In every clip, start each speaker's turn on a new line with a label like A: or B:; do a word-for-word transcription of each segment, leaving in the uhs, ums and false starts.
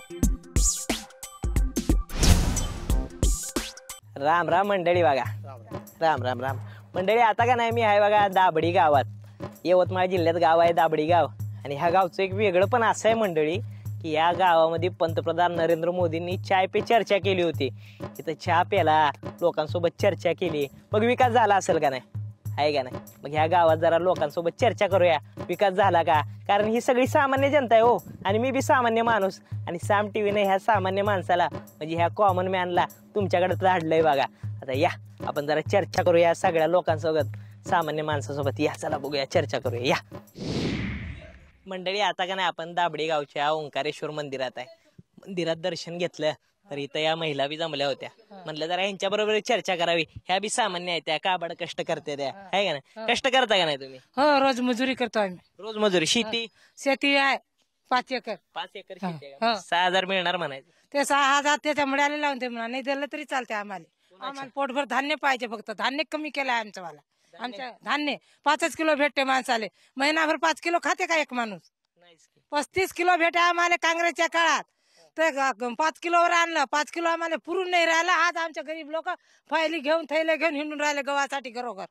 A: राम राम मंडळी बघा. राम राम राम मंडळी. आता का नाही मी आहे बघा दाबडी गावात, यवतमाळ जिल्ह्यात गाव आहे दाबडी गाव. आणि ह्या गावचं एक वेगळं पण असं आहे मंडळी की या गावामध्ये पंतप्रधान नरेंद्र मोदींनी चाय पे चर्चा केली होती. तिथं चहा प्याला, लोकांसोबत चर्चा केली, मग विकास झाला असेल का नाही, आहे का नाही? मग ह्या गावात जरा लोकांसोबत चर्चा करूया, विकास झाला का? कारण ही सगळी सामान्य जनता आहे हो, आणि मी बी सामान्य माणूस. आणि साम टीव्हीने ह्या सामान्य माणसाला म्हणजे ह्या कॉमन मॅनला तुमच्याकडे धाडलंय बघा. आता या आपण जरा चर्चा करूया सगळ्या लोकांसोबत, सामान्य माणसासोबत. या चला बघूया, चर्चा करूया. या मंडळी, आता का नाही आपण दाबडी गावच्या ओंकारेश्वर मंदिरात आहे. मंदिरात दर्शन घेतलं तर इथं या महिला बी जमल्या होत्या. म्हणलं जरा यांच्या बरोबर चर्चा करावी. ह्या बी सामान्य आहेत, त्या काबाड कष्ट करते त्या, आहे का नाही? कष्ट करता का नाही तुम्ही?
B: हो, रोज मजुरी करतो आम्ही.
A: रोज मजुरी. शेती
B: शेती आहे पाच एकर.
A: पाच एकर शेती आहे का? सहा हजार मिळणार म्हणायचं.
B: ते सहा हजार त्याच्या मुळाला लावून ते म्हणा, नाही दिलं तरी चालते आम्हाला. आम्हाला पोटभर धान्य पाहिजे, फक्त धान्य कमी केलं आहे आमचं वाला. आमच्या धान्य पाचच किलो भेटते माणसाले. महिनाभर पाच किलो खाते का एक माणूस? पस्तीस किलो भेटे आम्हाला काँग्रेसच्या काळात. तर पाच किलोवर आणलं, पाच किलो आम्हाला पुरून नाही राहिलं. आज आमच्या गरीब लोक फायली घेऊन थैले घेऊन हिंडून राहिले गव्हासाठी घरोघर.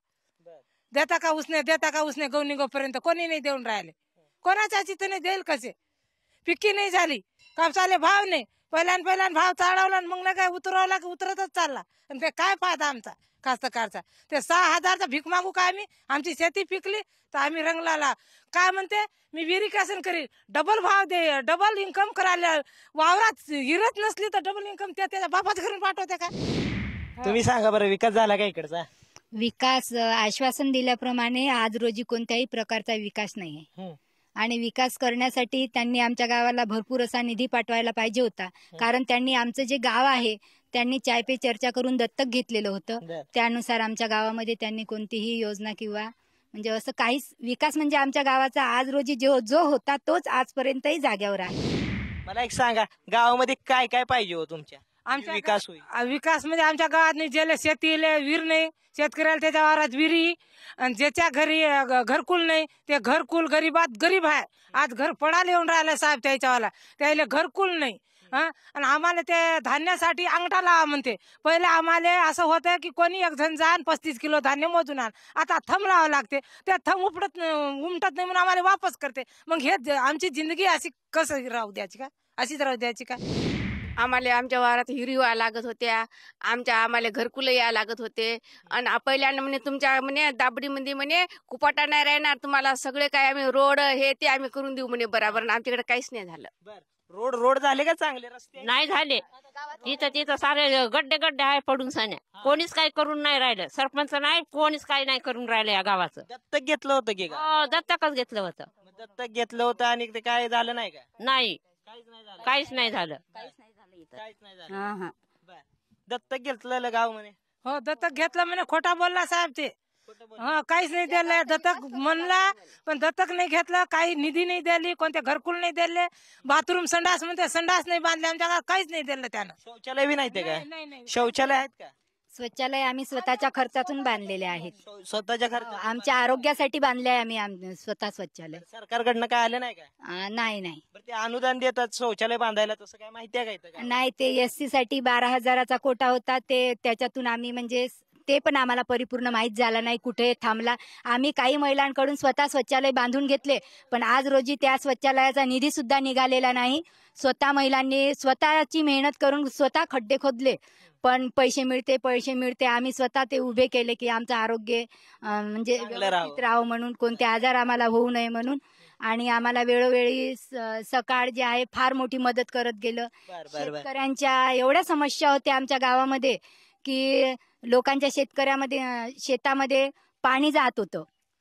B: देता का उसने, देता का उसने, गहू निघोपर्यंत कोणी नाही देऊन राहिले. कोणाच्या चित्तने देईल कसे? पिक्की नाही झाली, कापसाले भाव नाही. पहिल्यान पहिल्यान भाव चढवला, मग नाही काय उतरवला की उतरतच चालला. आणि ते काय फायदा आमचा कास्तकारचा? ते सहा हजारचा भीक मागू का आम्ही? आमची शेती पिकली तर आम्ही रंगलाला काय म्हणते, मी विरिकेशन करील, डबल भाव दे, डबल इन्कम करायला. वावरात हिरत नसली तर डबल इन्कम ते त्याच्या बापाच घरून पाठवते का?
A: तुम्ही सांगा बरं, विकास झाला का इकडचा?
C: विकास आश्वासन दिल्याप्रमाणे आज रोजी कोणत्याही प्रकारचा विकास नाहीये. आणि विकास करण्यासाठी त्यांनी आमच्या गावाला भरपूर असा निधी पाठवायला पाहिजे होता. कारण त्यांनी आमचं जे गाव आहे त्यांनी चाय पे चर्चा करून दत्तक घेतलेलं होतं. त्यानुसार आमच्या गावामध्ये त्यांनी कोणतीही योजना किंवा म्हणजे असं काहीच विकास म्हणजे आमच्या गावाचा आज रोजी जो जो होता तोच आजपर्यंतही जाग्यावर आहे.
A: मला एक सांगा, गावामध्ये काय काय पाहिजे हो तुमच्या
B: आमच्या
A: विकास होईल?
B: विकास म्हणजे आमच्या गावात नाही, ज्याला शेतीला विहीर नाही, शेतकऱ्याला त्याच्या वावरात विहिरी, आणि ज्याच्या घरी घरकुल नाही ते घरकुल गरीबात गरीब आहे. आज घर पडायला येऊन राहिलं साहेब त्याच्यावाला, त्याला घरकुल नाही. हा, आणि आम्हाला ते धान्यासाठी अंगठा लावा म्हणते. पहिले आम्हाला असं होतं की कोणी एक जण जा पस्तीस किलो धान्य मोजून आण. आता थंब लावावं लागते, त्या थंब उपटत उमटत नाही म्हणून आम्हाला वापस करते. मग हे आमची जिंदगी अशी कसं राहू द्यायची का? अशीच राहू द्यायची का?
D: आम्हाला आमच्या वावरात हिरी व्हायला लागत होत्या, आमच्या आम्हाला घरकुलं यायला लागत होते. आणि पहिल्यानं म्हणे तुमच्या म्हणे दाबडीमध्ये म्हणे कुपाटा नाही राहणार, तुम्हाला सगळे काय आम्ही रोड हे ते आम्ही करून देऊ म्हणे बराबर. आमच्याकडे काहीच नाही झालं.
A: रोड रोड झाले का चांगले? रस्ते
E: नाही झाले. तिथं तिथं सारे गड्डे गड्डे आहे पडून सान्या. कोणीच काही करून नाही राहिलं. सरपंच नाही, कोणीच काही नाही करून राहिलं या गावाचं.
A: दत्तक घेतलं होतं की?
E: दत्तकच घेतलं होतं.
A: दत्तक घेतलं होतं आणि ते काय झालं नाही का?
E: नाही, काहीच नाही झालं.
A: काहीच नाही झालं. दत्तक घेतलं गाव म्हणे.
B: हो, दत्तक घेतलं म्हणे. खोटा बोलला साहेब ते. हा, काहीच नाही दिलं. दत्तक म्हणला पण दत्तक नाही घेतलं. काही निधी नाही दिली, कोणते घरकुल नाही दिले, बाथरूम संडास म्हणते संडास नाही बांधले आमच्या गावात, काहीच नाही दिलं त्यानं.
A: शौचालय बी नाही ते काय? शौचालय आहेत का?
C: शौचालय आम्ही स्वतःच्या खर्चातून बांधलेले आहेत.
A: स्वतःच्या खर्च?
C: आमच्या आरोग्यासाठी बांधले आहे आम्ही आम- स्वतः शौचालय.
A: सरकारकडनं काय आलं नाही का?
C: अं, नाही नाही
A: बरं, ते अनुदान देतात शौचालय बांधायला, तसं काय माहिती आहे का?
C: नाही, ते एस सी साठी बारा हजाराचा कोटा होता. ते त्याच्यातून आम्ही म्हणजे ते पण आम्हाला परिपूर्ण माहीत झालं नाही कुठे थांबला. आम्ही काही महिलांकडून स्वतः शौचालय बांधून घेतले, पण आज रोजी त्या शौचालयाचा निधी सुद्धा निघालेला नाही. स्वतः महिलांनी स्वतःची मेहनत करून स्वतः खड्डे खोदले, पण पैसे मिळते पैसे मिळते. आम्ही स्वतः ते उभे केले की आमचं आरोग्य म्हणजे व्यवस्थित राहावं म्हणून, कोणते आजार आम्हाला होऊ नये म्हणून. आणि आम्हाला वेळोवेळी सकाळ जे आहे फार मोठी मदत करत गेलं. शेतकऱ्यांच्या एवढ्या समस्या होत्या आमच्या गावामध्ये की लोकांच्या शेतकऱ्यामध्ये शेतामध्ये पाणी जात होतं.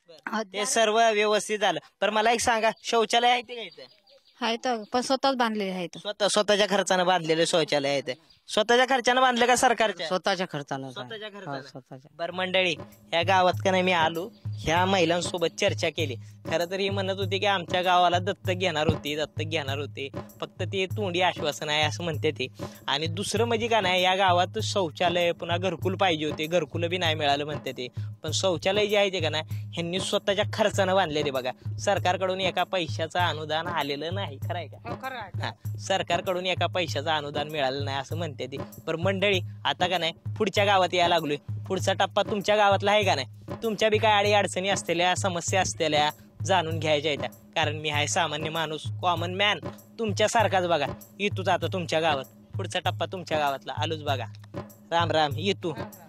A: ते सर्व व्यवस्थित झालं. पण मला एक सांगा, शौचालय आहे ते काय?
C: आहे तर, पण स्वतःच बांधलेले आहेत.
A: स्वतः स्वतःच्या खर्चानं बांधलेले शौचालय आहेत. स्वतःच्या खर्चानं बांधले का सरकारच्या?
F: स्वतःच्या खर्चानं.
A: स्वतःच्या खर्चानं. बरं मंडळी, ह्या गावात का नाही मी आलो, ह्या महिलांसोबत चर्चा केली. खरं तर ही म्हणत होती की आमच्या गावाला दत्तक घेणार होती दत्तक घेणार होते, फक्त ते तोंडी आश्वासन आहे असं म्हणते ते. आणि दुसरं म्हणजे का नाही, या गावात शौचालय पुन्हा घरकुल पाहिजे होते, घरकुल बी नाही मिळालं म्हणते ते. पण शौचालय जे आहे ते का नाही ह्यांनी स्वतःच्या खर्चानं बांधले ते बघा. सरकारकडून एका पैशाचं अनुदान आलेलं नाही, खरं आहे का?
B: हो, खरं आहे.
A: हा, सरकारकडून एका पैशाचं अनुदान मिळालं नाही असं म्हणते ती. पण मंडळी आता का नाही पुढच्या गावात यायला लागलोय. पुढचा टप्पा तुमच्या गावातला आहे का नाही? तुमच्या बी काय अडी अडचणी असलेल्या, समस्या असलेल्या जाणून घ्यायच्या आहेत, कारण मी आहे सामान्य माणूस, कॉमन मॅन तुमच्यासारखाच बघा. येतोच आता तुमच्या गावात, पुढचा टप्पा तुमच्या गावातला आलोच बघा. राम राम, येतो.